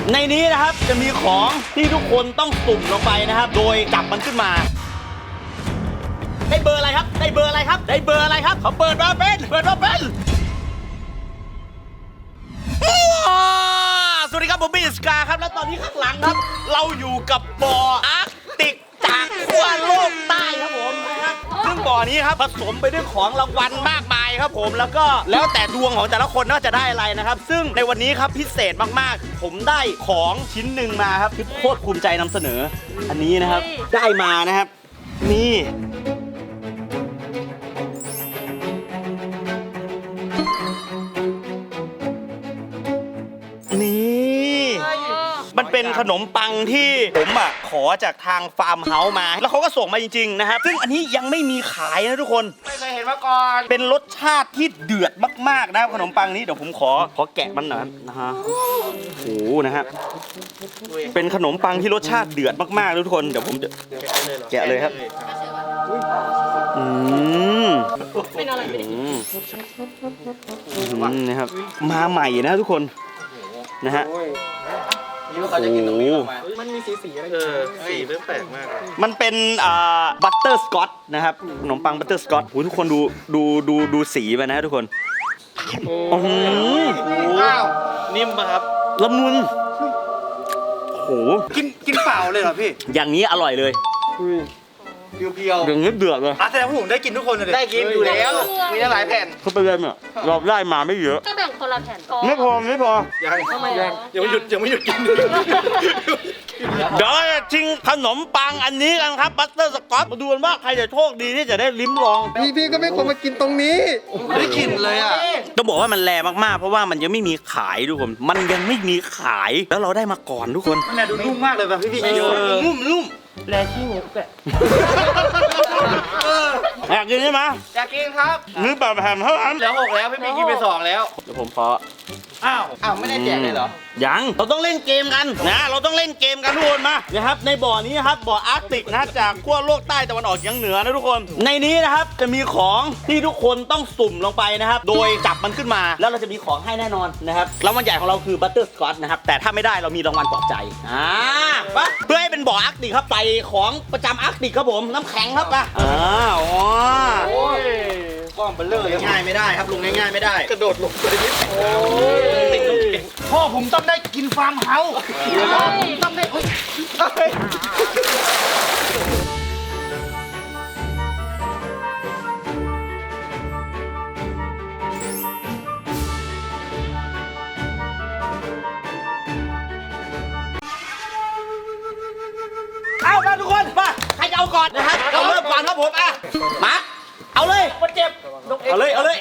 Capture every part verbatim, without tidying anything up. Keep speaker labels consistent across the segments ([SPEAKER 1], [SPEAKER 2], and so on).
[SPEAKER 1] ในนี้นะครับจะมีของที่ทุกคนต้องสุ่มลงไปนะครับโดยจับมันขึ้นมาได้เบอร์อะไรครับได้เบอร์อะไรครับได้เบอร์อะไรครับเขาเปิดมาเป็นเปิดมาเป็นสวัสดีครับผมบีสกาครับและตอนนี้ข้างหลังครับเราอยู่กับบ่ออาร์กติกจากขั้วโลกใต้ครับผมนะครับซึ่งบ่อนี้ครับผสมไปด้วยของรางวัลมากมายครับผมแล้วก็แล้วแต่ดวงของแต่ละคนว่าจะได้อะไรนะครับซึ่งในวันนี้ครับพิเศษมากๆผมได้ของชิ้นหนึ่งมาครับที่โคตรภูมิใจนำเสนออันนี้นะครับได้มานะครับนี่นี่มันเป็นขนมปังที่ผมอ่ะขอจากทางฟาร์มเฮาส์มาแล้วเขาก็ส่งมาจริงๆนะครับซึ่งอันนี้ยังไม่มีขายนะทุกคน
[SPEAKER 2] ไม่เคยเห็นมาก่อน
[SPEAKER 1] เป็นรสชาติที่เดือดมากๆนะครับขนมปังนี้เดี๋ยวผมขอขอแกะมันหน่อยนะฮะโอ้โหนะฮะเป็นขนมปังที่รสชาติเดือดมากๆทุกคนเดี๋ยวผมจะแกะเลยครับอืม
[SPEAKER 3] เป็นอะไรไม่ได้กิน
[SPEAKER 1] นะครับมาใหม่นะทุกคนนะฮะ
[SPEAKER 2] นี่เขาจะกินตรงนี้ออกมา
[SPEAKER 4] มันมีสีสีอะไร
[SPEAKER 2] เออสีเริ่มแปลกมาก
[SPEAKER 1] มันเป็นอ่าบัตเตอร์สกอตนะครับขนมปังบัตเตอร์สกอตโอ้ทุกคนดูดูดูดูสีไปนะทุกคนโอ้โห
[SPEAKER 2] นิ่มป่ะครับ
[SPEAKER 1] ละมุนโห
[SPEAKER 4] กินกินเปล่าเลยเหรอพี่
[SPEAKER 1] อย่างนี้อร่อยเลย
[SPEAKER 4] เพียวๆ
[SPEAKER 1] อย่างนี้เดือดเลย
[SPEAKER 4] อ่ะแสดงว่าผมได้กินทุกคนเลย
[SPEAKER 2] ได้กินอยู่แล้วมีตั้งหลายแผ่น
[SPEAKER 1] เขาไปเรียนเนี่ยเราได้มาไม่เยอะ
[SPEAKER 3] ก็แบ่งคนละแผ่นก่อน
[SPEAKER 1] ไม่พอไม่พอ
[SPEAKER 4] ยังยังยังไม่หยุดยังไม่หยุดกิน
[SPEAKER 1] เดี๋ยวจะชิงขนมปังอันนี้กันครับบัตเตอร์สกอตมาดูกันว่าใครจะโชคดีที่จะได้ลิ้มลอง
[SPEAKER 4] พี่พี่ก็ไม่ควรมากินตรงนี้ได้กลิ่นเลยอ่ะ
[SPEAKER 1] ต้องบอกว่ามันแรงมากๆเพราะว่ามันยังไม่มีขายทุกคนมันยังไม่มีขายแล้วเราได้มาก่อนทุกคน
[SPEAKER 4] มันดูนุ่มมากเลยป่ะพี่พี่
[SPEAKER 1] นุ่มนุ่ม
[SPEAKER 3] แลที่หูแกะ
[SPEAKER 1] อยากกินใช่ไหม
[SPEAKER 2] อยากกินครับ
[SPEAKER 1] นี่แบบแผ่นเท่านั้น
[SPEAKER 2] แล้วหกแล้วพี่พี่กินไปสองแล้ว
[SPEAKER 1] เดี๋ยวผมขอ
[SPEAKER 2] อ้าวอ้าวไม่ได้แจกเลยเหรอ
[SPEAKER 1] ยังเราต้องเล่นเกมกันนะเราต้องเล่นเกมกันทุกคนมานะครับในบ่อนี้ครับบ่ออาร์กติกนะจากขั้วโลกใต้ตะวันออกเฉียงเหนือนะทุกคนในนี้นะครับจะมีของที่ทุกคนต้องสุ่มลงไปนะครับโดยจับมันขึ้นมาแล้วเราจะมีของให้แน่นอนนะครับรางวัลใหญ่ของเราคือบัตเตอร์สกอตนะครับแต่ถ้าไม่ได้เรามีรางวัลปลอบใจอ่าเพื่อให้เป็นบ่ออาร์กติกครับใส่ของประจำอาร์กติกครับผมน้ำแข็งครับป่ะอ่าอ๋อก้อนเบลเลอร์ง่ายไม่ได้ครับลงง่ายๆไม่ได้
[SPEAKER 2] กระโดดลงไปนิด
[SPEAKER 4] พ่อผมต้องได้กินฟาร์มเฮาส์ต้องได้
[SPEAKER 1] เอามาทุกคนมาใครจะเอาก่อนนะครับเราเริ่มก่อนครับผมอ่ะมาเอาเลยมันเจ็บเอาเลยเอาเลย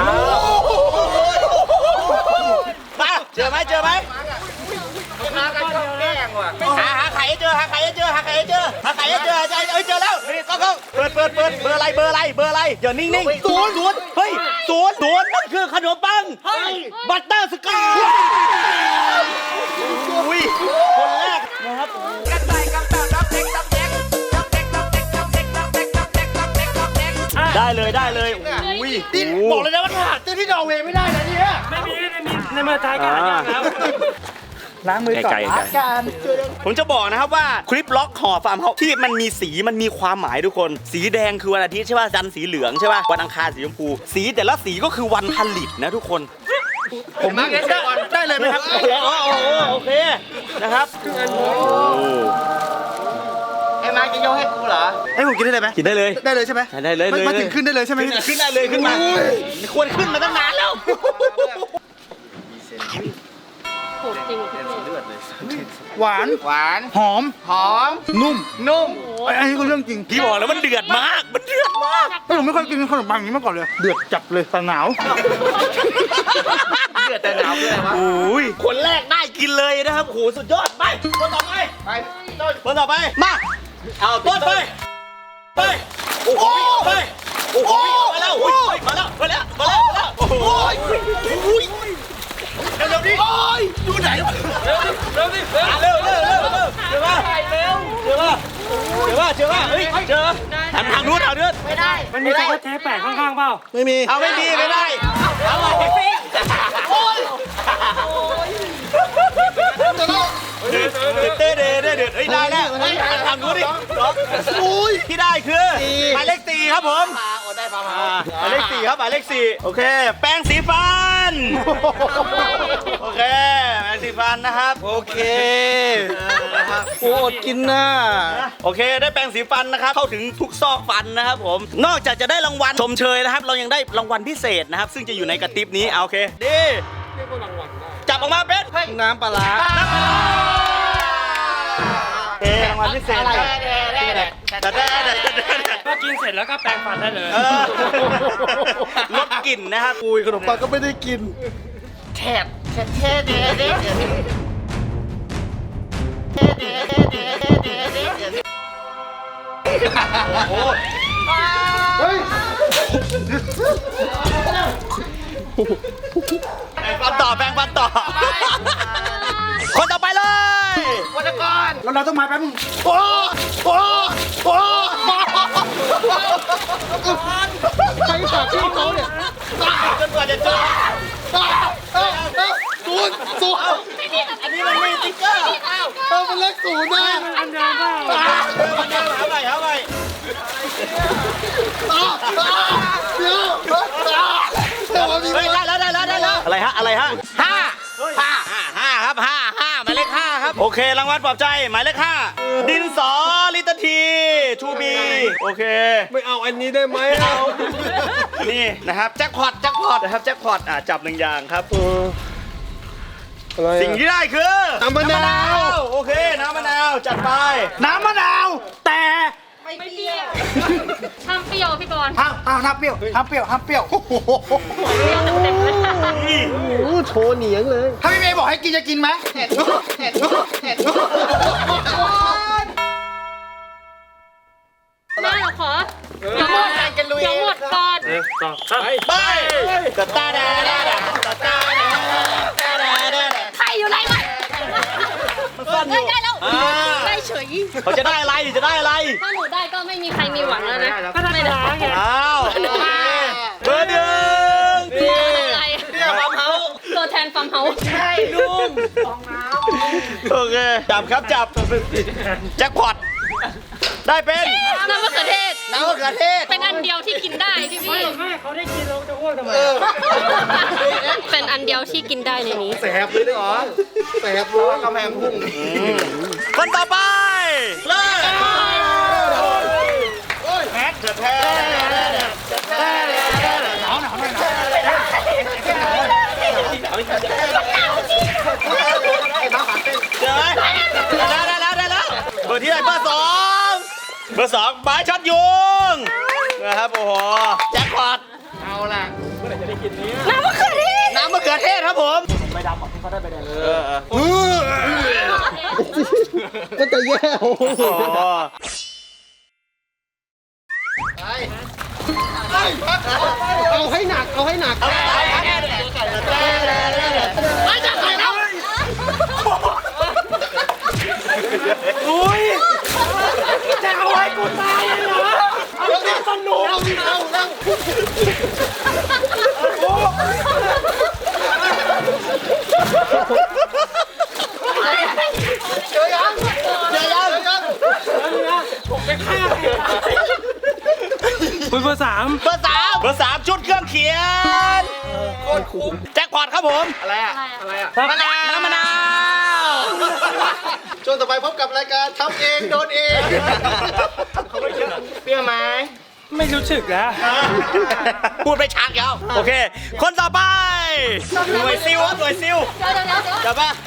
[SPEAKER 1] มาเจอไหมเจอไหม
[SPEAKER 2] มากันชอบแกล้งว่ะ
[SPEAKER 1] หาหาไข่ให้เจอหาไข่ให้เจอหาไข่ให้เจอหาไข่ให้เจอเอ้ยเจอแล้วก็ก็เปิดเปิดเปิดเบอร์อะไรเบอร์อะไรเบอร์อะไรอย่านิ่งๆศูนย์ศูนย์เฮ้ยศูนย์ศูนย์นั่นคือขนมปังบัตเตอร์สกอตอุ้ยคนแรกนะครับกันใส่กันแบบดับเด็กดับเด็กดับเด็กดับเด็กดับเด็กดับเด็กดับเด็กดับเด็กดับเด็กได้เลยได้เลยอุ้ย
[SPEAKER 4] บอกเลยนะว่าหาเจอที่นอร์เวย์ไม่ได้นะเนี่ย
[SPEAKER 3] ไม่มีไม่มีในเมืองไทยกันแล้ว
[SPEAKER 4] ล้างมือก่อนล้างกัน
[SPEAKER 1] ผมจะบอกนะครับว่าคลิปล็อกห่อฟาร์มเฮาส์ที่มันมีสีมันมีความหมายทุกคนสีแดงคือวันอาทิตย์ใช่ป่ะจันทร์สีเหลืองใช่ป่ะวันอังคารสีชมพูสีแต่ละสีก็คือวันผลิตนะทุกคน
[SPEAKER 4] ผมมาได้เลยไหมครับ
[SPEAKER 1] อ๋อโอเคนะครับ
[SPEAKER 2] ไอ้มากินโยให้กูเหรอ
[SPEAKER 4] ไอ้ผมกินได้เลยไหม
[SPEAKER 1] กินได้เลย
[SPEAKER 4] ได้เลยใช่ไหม
[SPEAKER 1] ได้เลย
[SPEAKER 4] มาถึงขึ้นได้เลยใช่ไหม
[SPEAKER 1] ขึ้นได้เลยขึ้นมาควรขึ้นมาตั้งนานแล้ว
[SPEAKER 4] หวาน
[SPEAKER 2] หวาน
[SPEAKER 4] หอม
[SPEAKER 2] หอม
[SPEAKER 4] นุ่ม
[SPEAKER 2] นุ่ม
[SPEAKER 4] อันนี้ก็เรื่องจริง
[SPEAKER 1] พี่บอกแล้วมันเดือดมากมันเดือดมาก
[SPEAKER 4] ผมไม่เคยกินขนมปังอย่างนี้มาก่อนเลยเดือดจับเลยแต่หนาว
[SPEAKER 2] เดือดแต่หนาวคืออะไรวะ
[SPEAKER 1] โอ้ยคนแรกได้กินเลยนะครับโหสุดยอดไปคนต่อไป
[SPEAKER 2] ไปต้น
[SPEAKER 1] คนต่อไปมาเอาต้นไปไปโอ้โหไปโอ้โหมาแล้วมาแล้วมาแล้วมาแล้วมาแล้วโอ้โหเร็วดิโอ้ยอยู่ไหนเร็วดิเร็วดิเร็วเร็วเร็วเร็วเจอป่ะเร็วเจอป่ะเจอป่ะเจอป่ะเฮ้ยเจอทำทางนู้นเอาเดือด
[SPEAKER 3] ไม่ได้
[SPEAKER 5] มันมีตัวเทปแปะข้างๆเปล่า
[SPEAKER 4] ไม่มี
[SPEAKER 1] เอาไม่มีไม่ได้เอาโอ้ยแล้วทำดูดิอุ้ยที่ได้คือหมายเลขสี่ครับผม
[SPEAKER 2] พาอดได้พามา
[SPEAKER 1] หมายเลขสี่ครับหมายเลขสี่โอเค แปรงสีฟันโอเคแปรงสีฟันนะครับโอเคนะครับโอ้อดกินนะโอเคได้แปรงสีฟันนะครับเข้าถึงทุกซอกฟันนะครับผมนอกจากจะได้รางวัลชมเชยนะครับเรายังได้รางวัลพิเศษนะครับซึ่งจะอยู่ในกระติบนี้เอาโอเคดีจับออกมาเป็นน้ำปลาร้าเอ๊รางวัลพิเศษอะไรแต่แต่แต่
[SPEAKER 5] ก็กินเสร็จแล้วก็แปรงฟันได้เลย
[SPEAKER 1] เออลดกลิ่นนะครับปุยขนมปังก็ไม่ได้กิน
[SPEAKER 2] แถบแถบแถบเด็ดเด็ดเด็ดเด็ดเด็ดเด็ดเด็ดเด็ด
[SPEAKER 1] โอ้
[SPEAKER 4] เฮ้ย
[SPEAKER 1] แปรงฟันต่อแปรงฟันต่อคนต่อไปเลย
[SPEAKER 2] วันก่อน
[SPEAKER 4] แล้วเราต้องมาแป๊บนึงโอ้โอ้โอ้ใครฝากชื่อเขาเนี่ย
[SPEAKER 1] จนกว่าจะเจอ
[SPEAKER 4] ศูนย์ศูนย์
[SPEAKER 1] อันนี้มันไม่ติ๊กเกอร์
[SPEAKER 4] เออมันเลขศูนย์นะ
[SPEAKER 5] อันเดิมเปล่า
[SPEAKER 1] เออมันเดินหาใหม่หาใหม่
[SPEAKER 4] เดี๋ยวแต่ว่ามี
[SPEAKER 1] เฮ้ยได้แล้วได้แล้วได้แล้วอะไรฮะอะไรฮะห้าห้าห้าห้าครับห้าห้าหมายเลขห้าครับโอเครางวัลปลอบใจหมายเลขห้าดินสอลิตรทีทูบีโอเค
[SPEAKER 4] ไม่เอาอันนี้ได้ไหมเอา
[SPEAKER 1] นี่นะครับแจ็คพอตแจ็คพอตนะครับแจ็คพอตอ่ะจับหนึ่งอย่างครับ
[SPEAKER 4] อะไร
[SPEAKER 1] สิ่งที่ได้คือ
[SPEAKER 4] น้ำมะนาว
[SPEAKER 1] โอเคน้ำมะนาวจัดไป
[SPEAKER 4] น้ำมะนาวแต่
[SPEAKER 3] ไม่เปรี้ยวทำเปรี้ยวพี่บอล
[SPEAKER 4] ห้ามห้ามห้ามเปรี้ยวห้ามเปรี้ยวห้ามเปรี้ยว
[SPEAKER 3] เปรี้ยวเต็มๆเลย
[SPEAKER 1] นี่
[SPEAKER 4] โอ้โชว์เหนียงเลยถ้าพี่เมย์บอกให้กินจะกินไหมเห็ดเห็ดเห็ด
[SPEAKER 3] แม่เราขอเดี๋ยวหมดเดี๋ยวหมดก่อน
[SPEAKER 5] ต่อครับ
[SPEAKER 1] ไปตาตาดาดาดาตาตาดาตาดาดา
[SPEAKER 3] ใครอยู่ไรวะ
[SPEAKER 1] มันซ่อนอยู่
[SPEAKER 3] ได้แล้ว
[SPEAKER 1] อ่า
[SPEAKER 3] ได้เฉย
[SPEAKER 1] เขาจะได้อะไรจะได้อะไร
[SPEAKER 3] ถ้าหนูได้ก็ไม่มีใครมีหวังแล้วนะ
[SPEAKER 5] ก็ธรรมดาไง
[SPEAKER 1] อ้าวเบอร์หนึ่งนี่
[SPEAKER 3] อะไร
[SPEAKER 1] เนี่ยฟาร์มเฮาส์
[SPEAKER 3] ตัวแทนฟาร์มเฮาส์
[SPEAKER 1] ใช่ลุงโอเคจับครับจับแจ็คพอตได้เป็น
[SPEAKER 3] น้ำมะเขือเทศ
[SPEAKER 1] น้ำมะเขือเทศ
[SPEAKER 3] เป็นอันเดียวที่กินได้พี่พี่
[SPEAKER 5] แม่เขาได้กินเราจะอ้วกทำไม
[SPEAKER 3] เป็นอันเดียวที่กินได้ในนี้
[SPEAKER 4] แสบเลยเหรอแสบเลยกำแพงพุ่ง
[SPEAKER 1] คนต่อไปเลยแฮกจะแพ้
[SPEAKER 4] หนาวหนาวหน่อยหนาว
[SPEAKER 1] เจอไหมได้แล้วได้แล้วได้แล้วเบอร์ที่ไหนเบอร์สองเบอร์สองบายช็อตยุงนะครับโอ้โหแจ็คพอต
[SPEAKER 2] เอาล่ะ
[SPEAKER 3] น้ำมะเขือเทศ
[SPEAKER 1] น้ำมะเขือเทศครับผมใบดำบอกที่เขาได้ใบแดงเออ
[SPEAKER 4] ก็จะแย่ เอาให้หนักเอาให้หนัก
[SPEAKER 3] ไม่จับไปแล้ว
[SPEAKER 1] อุ้ย
[SPEAKER 5] จะเอาไว้กูตายเลยเหรอ
[SPEAKER 4] เอาดิสนุกเอาดิเอาเอาเจอยังเจอยัง
[SPEAKER 5] คุณเบอร์สาม
[SPEAKER 1] เบอร์สามเบอร์สามชุดเครื่องเขียนแจ็คพอตครับผม
[SPEAKER 2] อะไรอ่ะอะไรอ่ะ
[SPEAKER 1] มะนาวน้ำมะนาว
[SPEAKER 4] ช่วงต่อไปพบกับรายการทำเองโดนเอง
[SPEAKER 2] เปรี้ยวไหม
[SPEAKER 5] ไม่รู้สึกแล้ว
[SPEAKER 1] พูดไปชักแล้วโอเค คนต่อไปหน่วยซิลครับหน่วยซิล
[SPEAKER 3] เดี๋ยวเดี๋ยวเดี๋ยวเดี๋ยว
[SPEAKER 1] จับป่ะ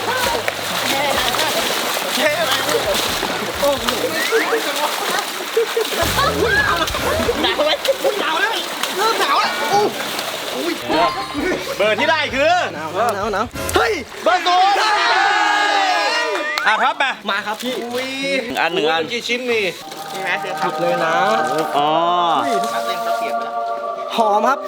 [SPEAKER 1] หนาวไหมหนาวแล้ว
[SPEAKER 4] เริ่มหนาวแล้วอู้
[SPEAKER 1] เบอร์ที่ได้คือ
[SPEAKER 4] หนาวหนาวหนาวเฮ้ย
[SPEAKER 1] เบอร์ศูนย์อ่ะครับมา
[SPEAKER 4] มาครับพี่อุ้ย
[SPEAKER 1] อันหนึ่งอัน
[SPEAKER 4] กี่ชิ้นนี่
[SPEAKER 2] นี่ไหมเสือครับ
[SPEAKER 4] เลยนะ
[SPEAKER 1] อ๋อ
[SPEAKER 2] ครับเล่นเขาเสียบแล้ว
[SPEAKER 4] หอมครับ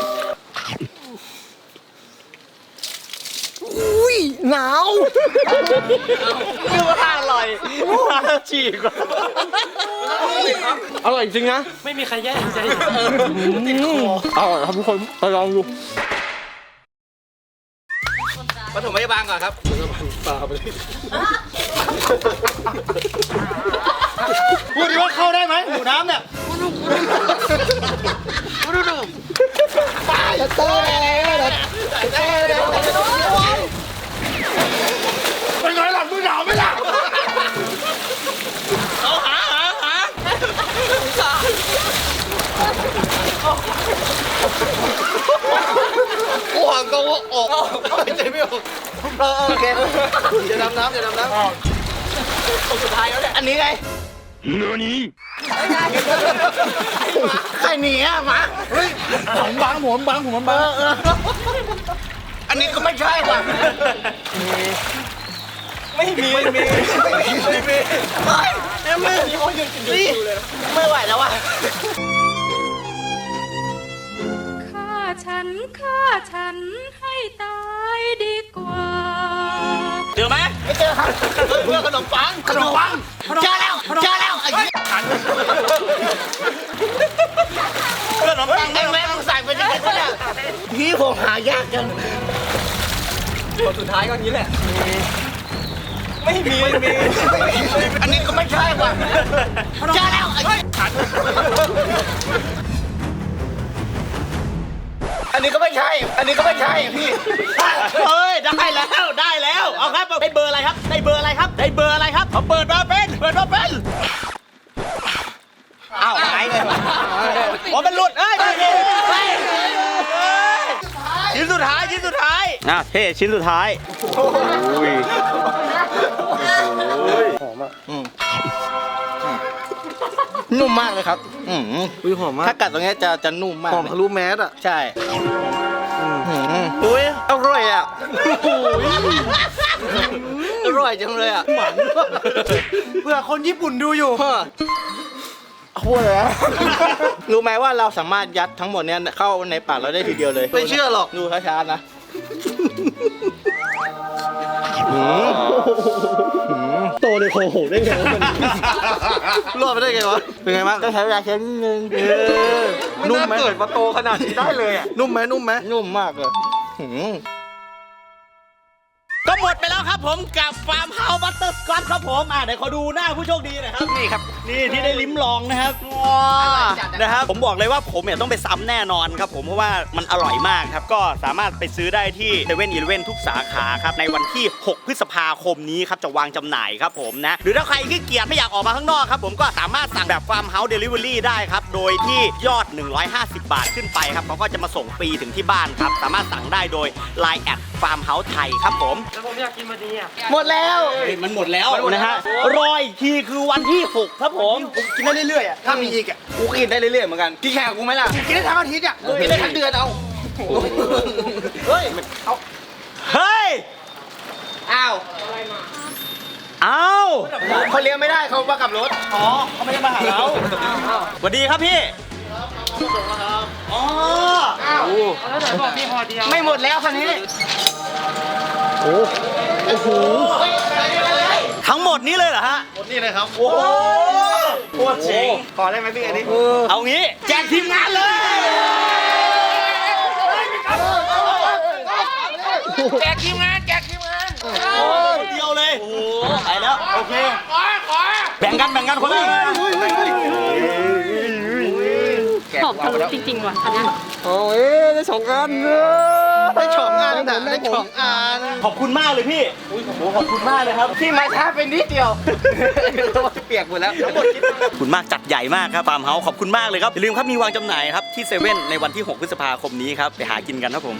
[SPEAKER 4] อุ้ยหนาว
[SPEAKER 1] นึกว่าอร่อยมาฉีกว่า
[SPEAKER 4] อร่อยจริงนะ
[SPEAKER 5] ไม่มีใครแย่งใจ
[SPEAKER 4] อร่อยครับทุกคนไปลองดู
[SPEAKER 2] ปฐมพยาบาลก่อนครับ
[SPEAKER 4] พูดดิว่าเข้าได้ไหมหมูน้ำเนี่ยเป็นไงล่ะมึงหนาวไหมล่ะ
[SPEAKER 1] เอาหาหาหา
[SPEAKER 2] กูห่างก็ว่าออกไม่ใจไม่ออกเออโอเคอย่าดำน้ำอย่าดำน้ำคนสุดท้ายแล้วเนี่ยอันนี้ไงใครหนีอ่ะมา
[SPEAKER 4] เฮ้ยผมบังผมบังผมบัง
[SPEAKER 2] อันนี้ก็ไม่ใช่ว่ะ
[SPEAKER 1] ไม่มีไม่มี
[SPEAKER 2] ไม่มีไม่มีไม่ไม่นี่ไม่ไหวแล้วว่ะ
[SPEAKER 6] ฆ่าฉันฆ่าฉันให้ตายดีกว่า
[SPEAKER 1] เจอไหม
[SPEAKER 2] ไม่เจอครับเพื่อขนมปังขนมปังเจอแล้วเจอแล้วไอ้
[SPEAKER 1] เพื่อนน้องปัง
[SPEAKER 2] ไอ้แม่งใส่ไปยังไงวะเนี่ยพี่ผมหายากจังคนสุดท้ายก็นี้แหละ
[SPEAKER 1] ไม่มีไม่มี
[SPEAKER 2] อันนี้ก็ไม่ใช่ว่ะเจอแล้วไอ้อันนี้ก็ไม่ใช่ อันนี้ก็ไม่ใช่พี่
[SPEAKER 1] เฮ้ยได้แล้วได้แล้วเอาครับได้เบอร์อะไรครับได้เบอร์อะไรครับได้เบอร์อะไรครับเขาเปิดมาเป็นเปิดมาเป็นอ้าวหายเลยอ๋อมันหลุดเอ้ยไม่เห็นเฮ้ยชิ้นสุดท้ายชิ้นสุดท้ายอ่ะเท่ชิ้นสุดท้ายโอ้ย
[SPEAKER 2] นุ่มมากเลยครับ อืม
[SPEAKER 4] อุ้ยหอมมาก
[SPEAKER 2] ถ้ากัดตรงนี้จะจะนุ่มมาก
[SPEAKER 4] หอมทะลุแมสอ่ะ
[SPEAKER 2] ใช่อุ้ยอร่อยอ่ะอร่อยจังเลยอ่ะหวาน
[SPEAKER 4] เพื่อคนญี่ปุ่นดูอยู่
[SPEAKER 2] พูดเลยอะรู้ไหมว่าเราสามารถยัดทั้งหมดเนี้ยเข้าในปากเราได้ทีเดียวเลย
[SPEAKER 4] ไม่เชื่อหรอก
[SPEAKER 2] ดูช้าๆนะโตในโคโหได้ไงวะรอดไปได้ไงวะ เป็นไงบ้างต้องใช้เวลาแค่นิดนึงนุ่มไหมเกิดมาโตขนาดนี้ได้เลยอ่ะ
[SPEAKER 4] นุ่มไหมนุ่มไหม
[SPEAKER 2] นุ่มมากเลยหืม
[SPEAKER 1] ก็หมดไปแล้วครับผมกับฟาร์มเฮาส์บัตเตอร์สกอตครับผมอ่าเดี๋ยวขอดูหน้าผู้โชคดีหน่อยครับนี่ครับนี่ที่ได้ลิ้มลองนะครับว้านะครับผมบอกเลยว่าผมเนี่ยต้องไปซ้ำแน่นอนครับผมเพราะว่ามันอร่อยมากครับก็สามารถไปซื้อได้ที่เซเว่นอีเลฟเว่นทุกสาขาครับในวันที่หกพฤษภาคมนี้ครับจะวางจำหน่ายครับผมนะหรือถ้าใครขี้เกียจไม่อยากออกมาข้างนอกครับผมก็สามารถสั่งแบบฟาร์มเฮาส์เดลิเวอรี่ได้ครับโดยที่ยอดหนึ่งร้อยห้าสิบบาทขึ้นไปครับเขาก็จะมาส่งฟรีถึงที่บ้านครับสามารถสั่งได้โดย ไลน์ แอดฟาร์มเฮาส์ไทยครับผม
[SPEAKER 5] แล้วผมอยากกินมาดีอ่ะ
[SPEAKER 2] หมดแล้ว
[SPEAKER 1] มันหมดแล้วนะฮะรออีกทีคือวันที่หกครับผม
[SPEAKER 2] กินได้เรื่อยๆอ่ะ ถ้ามีอีกอ่ะ กูกินได้เรื่อยๆเหมือนกัน กินแข่งกับกูไหมล่ะ
[SPEAKER 4] กินได้ทั้งอาทิตย์อ่ะ
[SPEAKER 2] กินได้ทั้งเดือนเอา เฮ้ย เอา
[SPEAKER 1] เฮ้ย
[SPEAKER 2] อ้าว
[SPEAKER 1] อ้าว
[SPEAKER 2] เขาเลี้ยงไม่ได้เขามากับรถ
[SPEAKER 1] อ๋อเขาไม่ได้มาหาเราสวัสดีครับพี่อ๋อ
[SPEAKER 5] แล้วไหนบอกมีพอเดียว
[SPEAKER 2] ไม่หมดแล้วคันนี้
[SPEAKER 1] ทั้งหมดนี้เลยเหรอฮะ
[SPEAKER 4] หมดนี่เลยครับ
[SPEAKER 1] โอ้โหโคตรเจ๋ง
[SPEAKER 2] ขอได้ไหมพี่อันนี้
[SPEAKER 1] เอางี้แจกทีมงานเลย
[SPEAKER 2] แจกทีมงาน แจกทีมงาน
[SPEAKER 1] เดียวเลย โอ้โหไปแล้ว โอเค แบ่งกันแบ่งกันคนละ
[SPEAKER 3] หอมทะลุจริงๆว่ะอันเนี้ย
[SPEAKER 2] โอ้ยได้สองอันได้สองอันแต่ได้สองอัน
[SPEAKER 1] ขอบคุณมากเลยพี่โอ้โหขอบคุณมากเลยครับ
[SPEAKER 2] ที่มาช้าเป็นนิดเดียวเปียกหมดแล้วทั้งหมดคิด
[SPEAKER 1] ขอบคุณมากจัดใหญ่มากครับฟาร์มเฮาส์ขอบคุณมากเลยครับอย่าลืมครับมีวางจำหน่ายครับที่เซเว่นในวันที่หกพฤษภาคมนี้ครับไปหากินกันครับผม